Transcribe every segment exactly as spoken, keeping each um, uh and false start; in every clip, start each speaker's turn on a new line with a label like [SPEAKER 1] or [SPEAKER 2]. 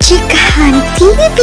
[SPEAKER 1] Chikahan T V!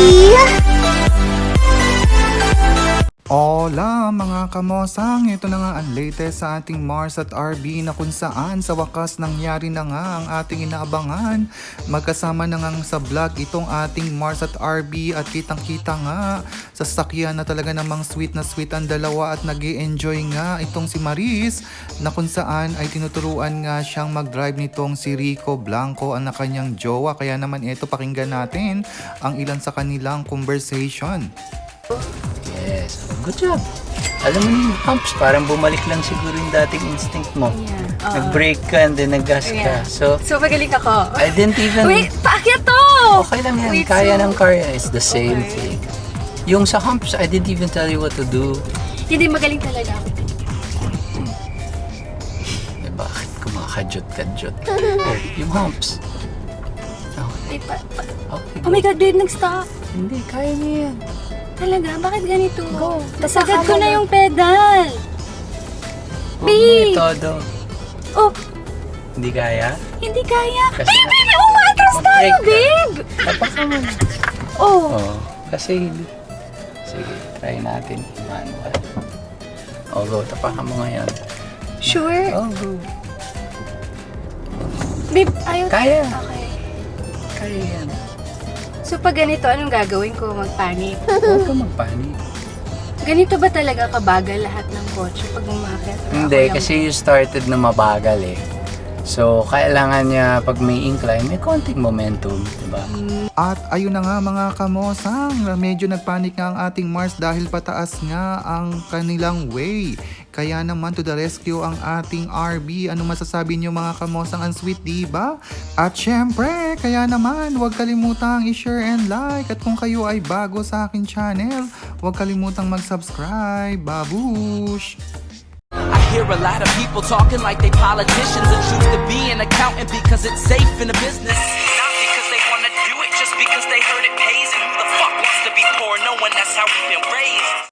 [SPEAKER 2] Hola mga kamosang, ito na nga ang latest sa ating Mars at R B na kung saan sa wakas nangyari na nga ang ating inaabangan. Magkasama na nga sa vlog itong ating Mars at R B at kitang kita nga sa sakyan na talaga namang sweet na sweet ang dalawa at nag-i-enjoy nga itong si Maris na kung saan ay tinuturuan nga siyang mag-drive nitong si Rico Blanco ang kanyang jowa. Kaya naman ito pakinggan natin ang ilan sa kanilang conversation.
[SPEAKER 3] Yes, good job. Alam mo yung humps, parang bumalik lang siguro yung dating instinct mo.
[SPEAKER 4] Yeah. Oo.
[SPEAKER 3] Nag-brake ka and then nag-gas
[SPEAKER 4] Yeah.
[SPEAKER 3] ka. So,
[SPEAKER 4] So, magaling ako.
[SPEAKER 3] I didn't even...
[SPEAKER 4] Wait, paakyat to!
[SPEAKER 3] Okay lang yan.
[SPEAKER 4] Wait,
[SPEAKER 3] Kaya
[SPEAKER 4] so-
[SPEAKER 3] ng car yan. It's the same
[SPEAKER 4] Okay.
[SPEAKER 3] thing. Yung sa humps, I didn't even tell you what to do.
[SPEAKER 4] Hindi, magaling talaga ako.
[SPEAKER 3] Eh, bakit kumakajot-kajot? Oh, yung humps. Okay.
[SPEAKER 4] Wait, pa, pa-
[SPEAKER 3] Okay,
[SPEAKER 4] oh my God, babe, nag-stop.
[SPEAKER 3] Hindi, kaya niya yan.
[SPEAKER 4] Talaga? Bakit ganito?
[SPEAKER 3] Go.
[SPEAKER 4] Nasagad ko na yung pedal.
[SPEAKER 3] Huwag mo
[SPEAKER 4] Babe!
[SPEAKER 3] itodo.
[SPEAKER 4] Oh,
[SPEAKER 3] Hindi kaya?
[SPEAKER 4] hindi kaya.
[SPEAKER 3] Kasi
[SPEAKER 4] Babe,
[SPEAKER 3] na-
[SPEAKER 4] babe, umatras tayo,
[SPEAKER 3] Mag-brake ka.
[SPEAKER 4] babe!
[SPEAKER 3] Tapaka mo na.
[SPEAKER 4] Oh,
[SPEAKER 3] Oo. Kasi, sige, try natin manual. O, go. Tapakan mo ngayon.
[SPEAKER 4] sure?
[SPEAKER 3] Oh, go.
[SPEAKER 4] Babe, ayaw.
[SPEAKER 3] Kaya.
[SPEAKER 4] Okay.
[SPEAKER 3] Kaya yan.
[SPEAKER 4] So, pag ganito, anong gagawin ko? Magpanik?
[SPEAKER 3] Huwag ka magpanik.
[SPEAKER 4] Ganito ba talaga kabagal lahat ng kotse pag umakyat? Or
[SPEAKER 3] Hindi,
[SPEAKER 4] ako yung-
[SPEAKER 3] kasi you started na mabagal eh. So, kailangan niya pag may incline, may konting momentum, diba?
[SPEAKER 2] At ayun na nga mga kamosang, medyo nagpanik nga ang ating Mars dahil pataas nga ang kanilang way. Kaya naman to the rescue ang ating R B. Ano masasabi niyo mga kamosang, ang sweet diba? At syempre, kaya naman huwag kalimutang i-share and like. At kung kayo ay bago sa akin channel, huwag kalimutang mag-subscribe. Babush!
[SPEAKER 5] I hear a lot of people talking like they politicians and choose to be an accountant because it's safe in the business. Not because they want to do it, just because they heard it pays. And who the fuck wants to be poor knowing that's how we've been raised?